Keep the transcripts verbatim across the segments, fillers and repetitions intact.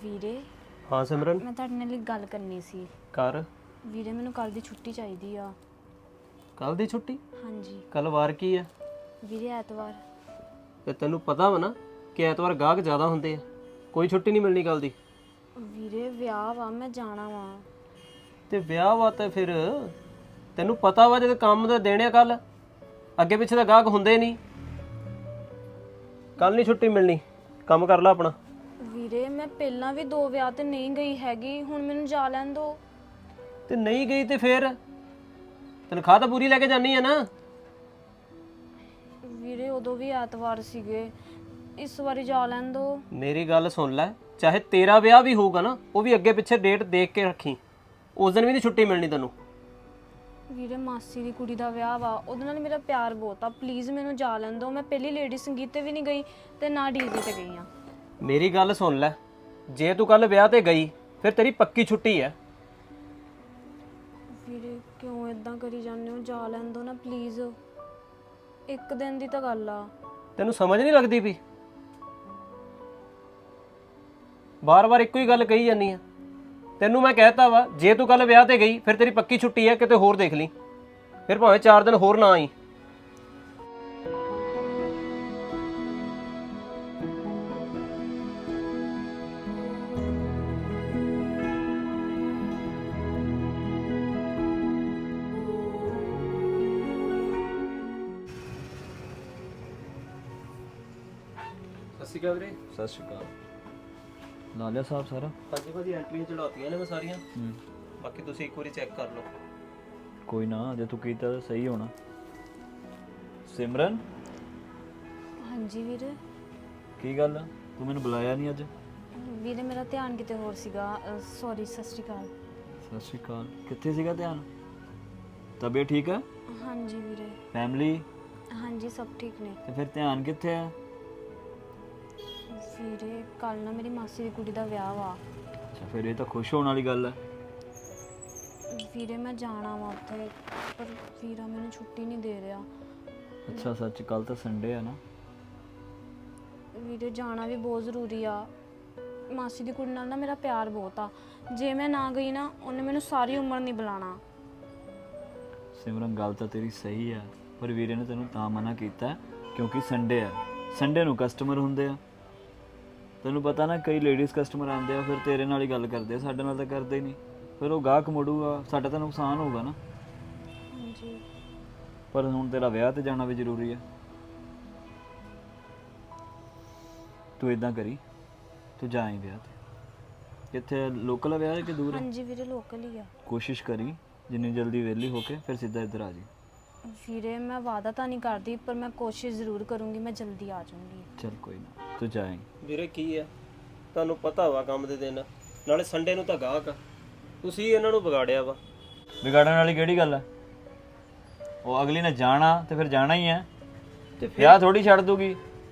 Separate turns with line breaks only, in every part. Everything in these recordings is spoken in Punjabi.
ਵੀਰੇ
ਹਾਂ ਸਿਮਰਨ
ਮੈਂ ਤੁਹਾਡੇ ਨਾਲ ਇੱਕ ਗੱਲ ਕਰਨੀ ਸੀ।
ਕਰ।
ਵੀਰੇ ਮੈਨੂੰ ਕੱਲ ਦੀ ਛੁੱਟੀ ਚਾਹੀਦੀ ਆ।
ਕੱਲ ਦੀ ਛੁੱਟੀ?
ਹਾਂਜੀ
ਕੱਲ ਵਾਰ ਕੀ ਆ?
ਵੀਰੇ ਐਤਵਾਰ।
ਤੇ ਤੈਨੂੰ ਪਤਾ ਵਾ ਨਾ ਕਿ ਐਤਵਾਰ ਗਾਹਕ ਜ਼ਿਆਦਾ ਹੁੰਦੇ ਆ, ਕੋਈ ਛੁੱਟੀ ਨਹੀਂ ਮਿਲਣੀ ਕੱਲ ਦੀ।
ਵੀਰੇ ਵਿਆਹ ਵਾ, ਮੈਂ ਜਾਣਾ ਵਾ।
ਤੇ ਵਿਆਹ ਵਾ ਤੇ ਫਿਰ ਤੈਨੂੰ ਪਤਾ ਵਾ ਜਦੋਂ ਕੰਮ ਦਾ ਦੇਣੇ ਕੱਲ, ਅੱਗੇ ਪਿੱਛੇ ਤਾਂ ਗਾਹਕ ਹੁੰਦੇ ਨਹੀਂ। ਕੱਲ ਨਹੀਂ ਛੁੱਟੀ ਮਿਲਣੀ, ਕੰਮ ਕਰ ਲੈ ਆਪਣਾ।
ਵੀਰੇ ਮੈਂ ਪਹਿਲਾਂ ਵੀ ਦੋ ਵਿਆਹ ਤੇ ਨਹੀਂ ਗਈ ਹੈਗੀ, ਹੁਣ ਮੈਨੂੰ ਜਾ ਲੈਣ ਦੋ।
ਤੇ ਨਹੀਂ ਗਈ ਤੇ ਫਿਰ ਤਨਖਾਹ ਤਾਂ ਪੂਰੀ ਲੈ ਕੇ ਜਾਨੀ ਆ ਨਾ।
ਵੀਰੇ ਉਦੋਂ ਵੀ ਐਤਵਾਰ ਸੀਗੇ, ਇਸ ਵਾਰੀ ਜਾ ਲੈਣ ਦੋ।
ਮੇਰੀ ਗੱਲ ਸੁਣ ਲੈ, ਚਾਹੇ ਤੇਰਾ ਵਿਆਹ ਵੀ ਹੋਊਗਾ ਨਾ, ਉਹ ਵੀ ਅੱਗੇ ਪਿੱਛੇ ਡੇਟ ਦੇਖ ਕੇ ਰੱਖੀ, ਉਸ ਦਿਨ ਵੀ ਨਹੀਂ ਛੁੱਟੀ ਮਿਲਣੀ ਤੈਨੂੰ।
ਵੀਰੇ ਮਾਸੀ ਦੀ ਕੁੜੀ ਦਾ ਵਿਆਹ ਵਾ, ਉਹਦੇ ਨਾਲ ਮੇਰਾ ਪਿਆਰ ਬਹੁਤ ਆ, ਪਲੀਜ਼ ਮੈਨੂੰ ਜਾ ਲੈਣ ਦੋ। ਮੈਂ ਪਹਿਲੀ ਲੇਡੀ ਸੰਗੀਤ ਤੇ ਵੀ ਨਹੀਂ ਗਈ ਤੇ ਨਾ ਡੀਜੇ ਤੇ ਗਈ ਆ।
ਮੇਰੀ ਗੱਲ ਸੁਣ ਲੈ, ਜੇ ਤੂੰ ਕੱਲ ਵਿਆਹ ਤੇ ਗਈ ਫਿਰ ਤੇਰੀ ਪੱਕੀ ਛੁੱਟੀ ਹੈ।
ਵੀਰੇ ਕਿਉਂ ਇਦਾਂ ਕਰੀ ਜਾਂਦੇ ਹੋ, ਜਾ ਲੈਣ ਦੋ ਨਾ ਪਲੀਜ਼। ਇੱਕ ਦਿਨ ਦੀ ਤਾਂ ਗੱਲ ਆ।
ਤੈਨੂੰ ਸਮਝ ਨਹੀਂ ਲੱਗਦੀ ਵੀ ਬਾਰ-ਬਾਰ ਇੱਕੋ ਹੀ ਗੱਲ ਕਹੀ ਜਾਂਦੀ ਆ। ਤੈਨੂੰ ਮੈਂ ਕਹਿਤਾ ਵਾ, ਜੇ ਤੂੰ ਕੱਲ ਵਿਆਹ ਤੇ ਗਈ ਫਿਰ ਤੇਰੀ ਪੱਕੀ ਛੁੱਟੀ ਹੈ, ਕਿਤੇ ਹੋਰ ਦੇਖ ਲਈ, ਫਿਰ ਭਾਵੇਂ ਚਾਰ ਦਿਨ ਹੋਰ ਨਾ ਆਈ। ਸਤਿ ਸ਼੍ਰੀ ਅਕਾਲ ਵੀਰੇ।
ਸਤਿ ਸ਼੍ਰੀ ਅਕਾਲ। ਲਾ ਲਿਆ ਸਾਹਿਬ ਸਾਰਾ?
ਹਾਂਜੀ ਭਾਜੀ, ਐਂਟਰੀਆਂ ਚੜਾਤੀਆਂ ਨੇ ਮੈਂ ਸਾਰੀਆਂ,
ਹੂੰ
ਬਾਕੀ ਤੁਸੀਂ ਇੱਕ ਵਾਰੀ ਚੈੱਕ ਕਰ ਲਓ।
ਕੋਈ ਨਾ, ਜੇ ਤੂੰ ਕੀਤਾ ਤਾਂ ਸਹੀ ਹੋਣਾ। ਸਿਮਰਨ,
ਹਾਂਜੀ ਵੀਰੇ।
ਕੀ ਗੱਲ ਤੂੰ ਮੈਨੂੰ ਬੁਲਾਇਆ ਨਹੀਂ ਅੱਜ?
ਵੀਰੇ ਮੇਰਾ ਧਿਆਨ ਕਿਤੇ ਹੋਰ ਸੀਗਾ, ਸੌਰੀ। ਸਤਿ ਸ਼੍ਰੀ ਅਕਾਲ।
ਸਤਿ ਸ਼੍ਰੀ ਅਕਾਲ। ਕਿੱਥੇ ਸੀਗਾ ਧਿਆਨ? ਤਬੀਅਤ ਠੀਕ ਹੈ?
ਹਾਂਜੀ ਵੀਰੇ।
ਫੈਮਿਲੀ?
ਹਾਂਜੀ ਸਭ ਠੀਕ ਨੇ।
ਤੇ ਫਿਰ ਧਿਆਨ ਕਿੱਥੇ ਹੈ?
ਵੀਰੇ ਕੱਲ ਨਾ ਮੇਰੀ ਮਾਸੀ ਦੀ ਕੁੜੀ ਦਾ ਵਿਆਹ ਵਾ।
ਅੱਛਾ, ਫਿਰ ਇਹ ਤਾਂ ਖੁਸ਼ ਹੋਣ ਵਾਲੀ ਗੱਲ ਹੈ।
ਵੀਰੇ ਮੈਂ ਜਾਣਾ ਵਾ ਉੱਥੇ, ਪਰ ਵੀਰਾ ਮੈਨੂੰ ਛੁੱਟੀ ਨਹੀਂ ਦੇ ਰਿਹਾ।
ਅੱਛਾ ਸੱਚ, ਕੱਲ ਤਾਂ ਸੰਡੇ ਹੈ ਨਾ।
ਵੀਰੇ ਜਾਣਾ ਵੀ ਬਹੁਤ ਜ਼ਰੂਰੀ ਆ। ਮਾਸੀ ਦੀ ਕੁੜੀ ਨਾਲ ਨਾ ਮੇਰਾ ਪਿਆਰ ਬਹੁਤ ਆ, ਜੇ ਮੈਂ ਨਾ ਗਈ ਨਾ ਉਹਨੇ ਮੈਨੂੰ ਸਾਰੀ ਉਮਰ ਨਹੀਂ ਬੁਲਾਣਾ।
ਸਿਮਰਨ, ਗੱਲ ਤਾਂ ਤੇਰੀ ਸਹੀ ਹੈ, ਪਰ ਵੀਰੇ ਨੇ ਤੈਨੂੰ ਤਾਂ ਮਨਾ ਕੀਤਾ ਕਿਉਂਕਿ ਸੰਡੇ ਹੈ। ਸੰਡੇ ਨੂੰ ਕਸਟਮਰ ਹੁੰਦੇ ਆ, ਤੈਨੂੰ ਪਤਾ ਨਾ, ਕਈ ਲੇਡੀਜ਼ ਕਸਟਮਰ ਆਉਂਦੇ ਆ, ਫਿਰ ਤੇਰੇ ਨਾਲ ਹੀ ਗੱਲ ਕਰਦੇ ਆ, ਸਾਡੇ ਨਾਲ ਤਾਂ ਕਰਦੇ ਹੀ ਨਹੀਂ। ਫਿਰ ਉਹ ਗਾਹਕ ਮੁੜੂਗਾ, ਸਾਡਾ ਤਾਂ ਨੁਕਸਾਨ ਹੋਊਗਾ ਨਾ।
ਹਾਂਜੀ।
ਪਰ ਹੁਣ ਤੇਰਾ ਵਿਆਹ ਤੇ ਜਾਣਾ ਵੀ ਜ਼ਰੂਰੀ ਹੈ। ਤੂੰ ਇਦਾਂ ਕਰੀ, ਤੂੰ ਜਾਈਂ ਵਿਆਹ ਤੇ। ਕਿੱਥੇ, ਲੋਕਲ ਆ ਵਿਆਹ ਕਿ ਦੂਰ ਹੈ?
ਹਾਂਜੀ ਵੀਰੇ ਲੋਕਲ ਹੀ ਆ।
ਕੋਸ਼ਿਸ਼ ਕਰੀ ਜਿੰਨੀ ਜਲਦੀ ਵਿਹਲੀ ਹੋ ਕੇ ਫਿਰ ਸਿੱਧਾ ਇੱਧਰ ਆ ਜੀ।
ਵੀਰੇ ਮੈਂ ਵਾਅਦਾ ਤਾਂ ਨਹੀਂ ਕਰਦੀ, ਪਰ ਮੈਂ ਕੋਸ਼ਿਸ਼ ਜ਼ਰੂਰ ਕਰੂੰਗੀ, ਮੈਂ ਜਲਦੀ ਆ ਜਾਊਂਗੀ।
ਚੱਲ ਕੋਈ ਨਾ, ਤੂੰ ਜਾਈਂ।
ਵੀਰੇ ਕੀ ਆ, ਤੁਹਾਨੂੰ ਪਤਾ ਵਾ ਕੰਮ ਦੇ ਦਿਨ, ਨਾਲੇ ਸੰਡੇ ਨੂੰ ਤਾਂ ਗਾਹਕ ਆ, ਤੁਸੀਂ ਇਹਨਾਂ ਨੂੰ ਵਿਗਾੜਿਆ ਵਾ।
ਵਿਗਾੜਨ ਵਾਲੀ ਕਿਹੜੀ ਗੱਲ ਹੈ? ਉਹ ਅਗਲੀ ਨੇ ਜਾਣਾ ਤੇ ਫਿਰ ਜਾਣਾ ਹੀ ਹੈ,
ਤੇ ਫਿਰ
ਵਿਆਹ ਥੋੜੀ ਛੱਡ ਦੂਗੀ।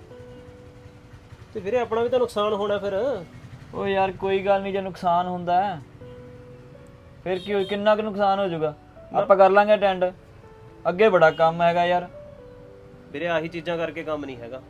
ਤੇ ਵੀਰੇ ਆਪਣਾ ਵੀ ਤਾਂ ਨੁਕਸਾਨ ਹੋਣਾ ਫਿਰ।
ਉਹ ਯਾਰ ਕੋਈ ਗੱਲ ਨਹੀਂ, ਜੇ ਨੁਕਸਾਨ ਹੁੰਦਾ ਹੈ ਫਿਰ ਕੀ ਹੋਈ, ਕਿੰਨਾ ਕੁ ਨੁਕਸਾਨ ਹੋ ਜਾਊਗਾ, ਆਪਾਂ ਕਰ ਲਾਂਗੇ ਅਟੈਂਡ। ਅੱਗੇ ਬੜਾ ਕੰਮ ਹੈਗਾ ਯਾਰ।
ਵੀਰੇ ਆਹੀ ਚੀਜ਼ਾਂ ਕਰਕੇ ਕੰਮ ਨਹੀਂ ਹੈਗਾ,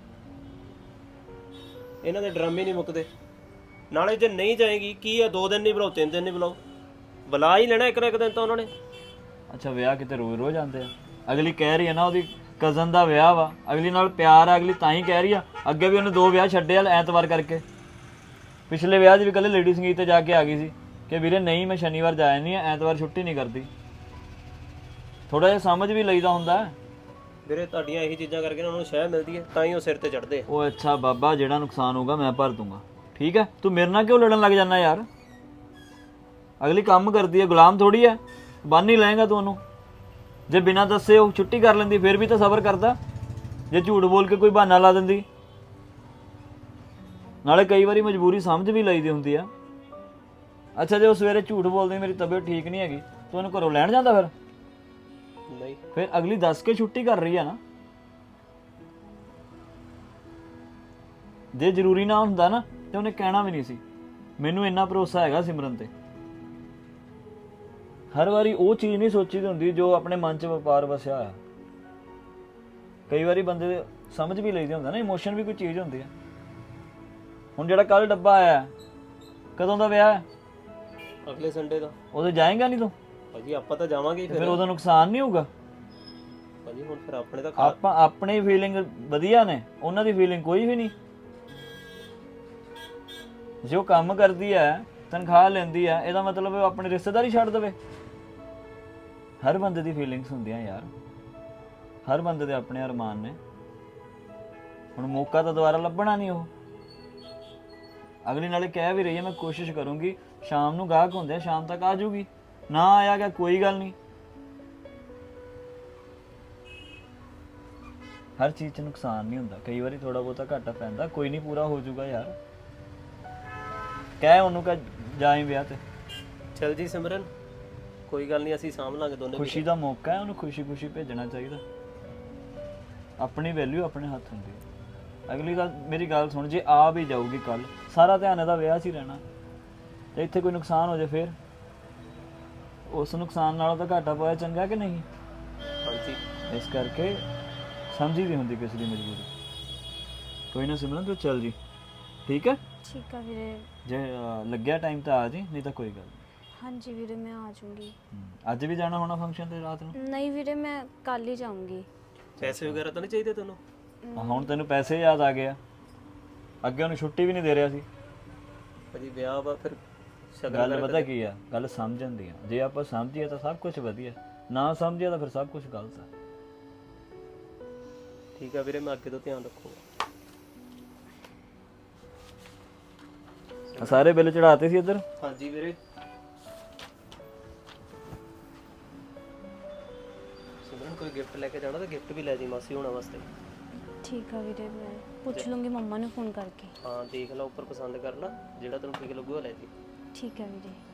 ਇਹਨਾਂ ਦੇ ਡਰਾਮੇ ਨਹੀਂ ਮੁੱਕਦੇ। ਨਾਲੇ ਜੇ ਨਹੀਂ ਜਾਏਗੀ ਕੀ ਆ, ਦੋ ਦਿਨ ਨਹੀਂ ਬੁਲਾਓ, ਤਿੰਨ ਦਿਨ ਨਹੀਂ ਬੁਲਾਓ, ਬੁਲਾ ਹੀ ਲੈਣਾ ਇੱਕ ਨਾ ਇੱਕ ਦਿਨ ਤਾਂ ਉਹਨਾਂ ਨੇ।
ਅੱਛਾ, ਵਿਆਹ ਕਿਤੇ ਰੋਜ਼ ਰੋਜ਼ ਆਉਂਦੇ ਆ? ਅਗਲੀ ਕਹਿ ਰਹੀ ਹੈ ਨਾ, ਉਹਦੀ ਕਜ਼ਨ ਦਾ ਵਿਆਹ ਵਾ, ਅਗਲੀ ਨਾਲ ਪਿਆਰ ਆ, ਅਗਲੀ ਤਾਂ ਹੀ ਕਹਿ ਰਹੀ ਆ। ਅੱਗੇ ਵੀ ਉਹਨੇ ਦੋ ਵਿਆਹ ਛੱਡੇ ਆ ਐਤਵਾਰ ਕਰਕੇ। ਪਿਛਲੇ ਵਿਆਹ 'ਚ ਵੀ ਕੱਲ੍ਹ ਲੇਡੀ ਸੰਗੀਤ ਤੇ ਜਾ ਕੇ ਆ ਗਈ ਸੀ ਕਿ ਵੀਰੇ ਨਹੀਂ ਮੈਂ ਸ਼ਨੀਵਾਰ ਜਾ ਜਾਂਦੀ ਹਾਂ, ਐਤਵਾਰ ਛੁੱਟੀ ਨਹੀਂ ਕਰਦੀ। ਥੋੜਾ ਜਿਹਾ ਸਮਝ ਵੀ ਲਈਦਾ ਹੁੰਦਾ।
ਵੀਰੇ ਤੁਹਾਡੀਆਂ ਇਹੀ ਚੀਜ਼ਾਂ ਕਰਕੇ ਉਹਨਾਂ ਨੂੰ ਸ਼ਹਿ ਮਿਲਦੀ ਹੈ, ਤਾਂ ਹੀ ਉਹ ਸਿਰ ਤੇ ਚੜਦੇ ਆ।
ਉਹ ਅੱਛਾ ਬਾਬਾ, ਜਿਹੜਾ ਨੁਕਸਾਨ ਹੋਊਗਾ ਮੈਂ ਭਰ ਦੂੰਗਾ, ਠੀਕ ਹੈ? ਤੂੰ ਮੇਰੇ ਨਾਲ ਕਿਉਂ ਲੜਨ ਲੱਗ ਜਾਂਦਾ ਯਾਰ? ਅਗਲੀ ਕੰਮ ਕਰਦੀ ਹੈ, ਗੁਲਾਮ ਥੋੜੀ ਹੈ, ਬੰਨ ਹੀ ਲਏਗਾ ਤੂੰ ਉਹਨੂੰ। ਜੇ ਬਿਨਾਂ ਦੱਸੇ ਉਹ ਛੁੱਟੀ ਕਰ ਲੈਂਦੀ ਫਿਰ ਵੀ ਤਾਂ ਸਬਰ ਕਰਦਾ, ਜੇ ਝੂਠ ਬੋਲ ਕੇ ਕੋਈ ਬਹਾਨਾ ਲਾ ਦਿੰਦੀ। ਨਾਲੇ ਕਈ ਵਾਰੀ ਮਜਬੂਰੀ ਸਮਝ ਵੀ ਲਈਦੀ ਹੁੰਦੀ ਆ। ਅੱਛਾ, ਜੇ ਉਹ ਸਵੇਰੇ ਝੂਠ ਬੋਲਦੀ ਮੇਰੀ ਤਬੀਅਤ ਠੀਕ ਨਹੀਂ ਹੈਗੀ, ਤੂੰ ਉਹਨੂੰ ਘਰੋਂ ਲੈਣ ਜਾਂਦਾ ਫਿਰ?
ਨਹੀਂ,
ਫਿਰ ਅਗਲੀ ਦੱਸ ਕੇ ਛੁੱਟੀ ਕਰ ਰਹੀ ਆ ਨਾ। ਜੇ ਜ਼ਰੂਰੀ ਨਾ ਹੁੰਦਾ ਨਾ ਤੇ ਉਹਨੇ ਕਹਿਣਾ ਵੀ ਨਹੀਂ ਸੀ। ਮੈਨੂੰ ਇੰਨਾ ਭਰੋਸਾ ਹੈਗਾ ਸਿਮਰਨ ਤੇ। ਹਰ ਵਾਰੀ ਉਹ ਚੀਜ਼ ਨਹੀਂ ਸੋਚੀਦੀ ਹੁੰਦੀ ਜੋ ਆਪਣੇ ਮਨ 'ਚ ਵਪਾਰ ਵਸਿਆ ਹੋਇਆ। ਕਈ ਵਾਰੀ ਬੰਦੇ ਦੇ ਸਮਝ ਵੀ ਲਈਦੀ ਹੁੰਦਾ ਨਾ, ਇਮੋਸ਼ਨ ਵੀ ਕੋਈ ਚੀਜ਼ ਹੁੰਦੀ ਹੈ। ਹੁਣ ਜਿਹੜਾ ਕੱਲ ਡੱਬਾ ਆਇਆ ਕਦੋਂ ਦਾ ਵਿਆਹ ਹੈ?
ਅਗਲੇ ਸੰਡੇ ਦਾ।
ਉਦੋਂ ਜਾਏਗਾ ਨਹੀਂ ਤੂੰ?
ਭਾਜੀ ਆਪਾਂ ਤਾਂ ਜਾਵਾਂਗੇ ਹੀ
ਫਿਰ
ਫਿਰ।
ਉਦੋਂ ਨੁਕਸਾਨ ਨਹੀਂ ਹੋਊਗਾ?
ਭਾਜੀ ਹੁਣ ਫਿਰ ਆਪਣੇ ਤਾਂ ਖਾ
ਆਪਾਂ ਆਪਣੀ ਫੀਲਿੰਗ ਵਧੀਆ ਨੇ, ਉਹਨਾਂ ਦੀ ਫੀਲਿੰਗ ਕੋਈ ਵੀ ਨਹੀਂ। ਜੋ ਕੰਮ ਕਰਦੀ ਹੈ, ਤਨਖਾਹ ਲੈਂਦੀ ਹੈ, ਇਹਦਾ ਮਤਲਬ ਉਹ ਆਪਣੀ ਰਿਸ਼ਤੇਦਾਰੀ ਛੱਡ ਦੇਵੇ? ਹਰ ਬੰਦੇ ਦੀ ਫੀਲਿੰਗਸ ਹੁੰਦੀਆਂ ਯਾਰ, ਹਰ ਬੰਦੇ ਦੇ ਆਪਣੇ ਅਰਮਾਨ ਨੇ। ਹੁਣ ਮੌਕਾ ਤਾਂ ਦੁਬਾਰਾ ਲੱਭਣਾ ਨਹੀਂ। ਉਹ ਅਗਲੀ ਨਾਲੇ ਕਹਿ ਵੀ ਰਹੀ ਹੈ ਮੈਂ ਕੋਸ਼ਿਸ਼ ਕਰੂੰਗੀ, ਸ਼ਾਮ ਨੂੰ ਗਾਹਕ ਹੁੰਦੇ ਆ, ਸ਼ਾਮ ਤੱਕ ਆ ਜਾਊਗੀ। ਨਾ ਆਇਆ ਗਿਆ ਕੋਈ ਗੱਲ ਨਹੀਂ। ਹਰ ਚੀਜ਼ 'ਚ ਨੁਕਸਾਨ ਨਹੀਂ ਹੁੰਦਾ, ਕਈ ਵਾਰੀ ਥੋੜਾ ਬਹੁਤਾ ਘਾਟਾ ਪੈਂਦਾ, ਕੋਈ ਨਹੀਂ ਪੂਰਾ ਹੋ ਜਾਊਗਾ ਯਾਰ। ਕਹਿ ਉਹਨੂੰ ਕਿ ਜਾਈ ਵਿਆਹ ਤੇ।
ਚਲ ਜੀ ਸਿਮਰਨ, ਕੋਈ ਗੱਲ ਨਹੀਂ, ਅਸੀਂ ਸਾਂਭ ਲਾਂਗੇ ਦੋਨੇ।
ਖੁਸ਼ੀ ਦਾ ਮੌਕਾ ਹੈ, ਉਹਨੂੰ ਖੁਸ਼ੀ ਖੁਸ਼ੀ ਭੇਜਣਾ ਚਾਹੀਦਾ। ਆਪਣੀ ਵੈਲਿਊ ਆਪਣੇ ਹੱਥ ਹੁੰਦੀ ਹੈ। ਅਗਲੀ ਗੱਲ ਮੇਰੀ ਗੱਲ ਸੁਣ, ਜੇ ਆ ਵੀ ਜਾਊਗੀ ਕੱਲ, ਸਾਰਾ ਧਿਆਨ ਇਹਦਾ ਵਿਆਹ 'ਚ ਹੀ ਰਹਿਣਾ, ਤੇ ਇੱਥੇ ਕੋਈ ਨੁਕਸਾਨ ਹੋ ਜਾਏ ਫਿਰ ਉਸ ਨੁਕਸਾਨ ਨਾਲੋਂ ਤਾਂ ਘਾਟਾ ਪਾਇਆ ਚੰਗਾ ਕਿ ਨਹੀਂ?
ਹਾਂਜੀ।
ਇਸ ਕਰਕੇ ਸਮਝੀ ਦੀ ਹੁੰਦੀ ਕਿਸੇ ਦੀ ਮਜਬੂਰੀ। ਕੋਈ ਨਾ ਸਿਮਰਨ, ਤੂੰ ਚੱਲ ਜੀ, ਠੀਕ ਹੈ?
ਠੀਕ ਆ ਵੀਰੇ।
ਜੇ ਅਹ, ਲੱਗਿਆ ਟਾਈਮ ਤਾਂ ਆ ਜੀ, ਨਹੀਂ ਤਾਂ ਕੋਈ ਗੱਲ ਨਹੀਂ।
ਹਾਂਜੀ ਵੀਰੇ, ਮੈਂ ਆ ਜਾਊਂਗੀ।
ਹਮ, ਅੱਜ ਵੀ ਜਾਣਾ ਹੋਣਾ ਫੰਕਸ਼ਨ ਤੇ ਰਾਤ ਨੂੰ?
ਨਹੀਂ ਵੀਰੇ, ਮੈਂ ਕੱਲ ਹੀ ਜਾਊਂਗੀ।
ਪੈਸੇ ਵਗੈਰਾ ਤਾਂ ਨਹੀਂ ਚਾਹੀਦੇ ਤੈਨੂੰ?
ਹਾਂ, ਹੁਣ ਤੈਨੂੰ ਪੈਸੇ ਯਾਦ ਆ ਗਏ ਆ, ਅੱਗੇ ਉਹਨੂੰ ਛੁੱਟੀ ਵੀ ਨਹੀਂ ਦੇ ਰਿਹਾ ਸੀ।
ਭਾਜੀ ਵਿਆਹ ਵਾ, ਫਿਰ ਸ਼ਗਨ
ਗੱਲ ਪਤਾ ਕੀ ਆ, ਗੱਲ ਸਮਝਣ ਦੀ ਆ। ਜੇ ਆਪਾਂ ਸਮਝੀਏ ਤਾਂ ਸਭ ਕੁਝ ਵਧੀਆ, ਨਾ ਸਮਝੀਏ ਤਾਂ ਫਿਰ ਸਭ ਕੁਝ ਗਲਤ ਆ।
ਠੀਕ ਆ ਵੀਰੇ, ਮੈਂ ਅੱਗੇ ਤੋਂ ਧਿਆਨ ਰੱਖੂਗਾ।
ਆਹ ਸਾਰੇ ਬਿੱਲ ਚੜਾਤੇ ਸੀ ਇੱਧਰ?
ਹਾਂਜੀ ਵੀਰੇ। ਸਿਮਰਨ ਕੋਈ ਗਿਫਟ ਲੈ ਕੇ ਜਾਣਾ ਤਾਂ ਗਿਫਟ ਵੀ ਲੈ ਜੀ ਮਾਸੀ ਹੋਣਾ ਵਾਸਤੇ।
ਠੀਕ ਆ ਵੀਰੇ, ਮੈਂ ਪੁੱਛ ਲੂੰਗੀ ਮੰਮਾ ਨੂੰ ਫੋਨ ਕਰਕੇ।
ਹਾਂ ਦੇਖ ਲਾ, ਉੱਪਰ ਪਸੰਦ ਕਰ ਲਾ, ਜਿਹੜਾ ਤੈਨੂੰ ਠੀਕ ਲੱਗੂਗਾ ਲੈ ਜੀ।
ਠੀਕ ਹੈ ਵੀਰੇ।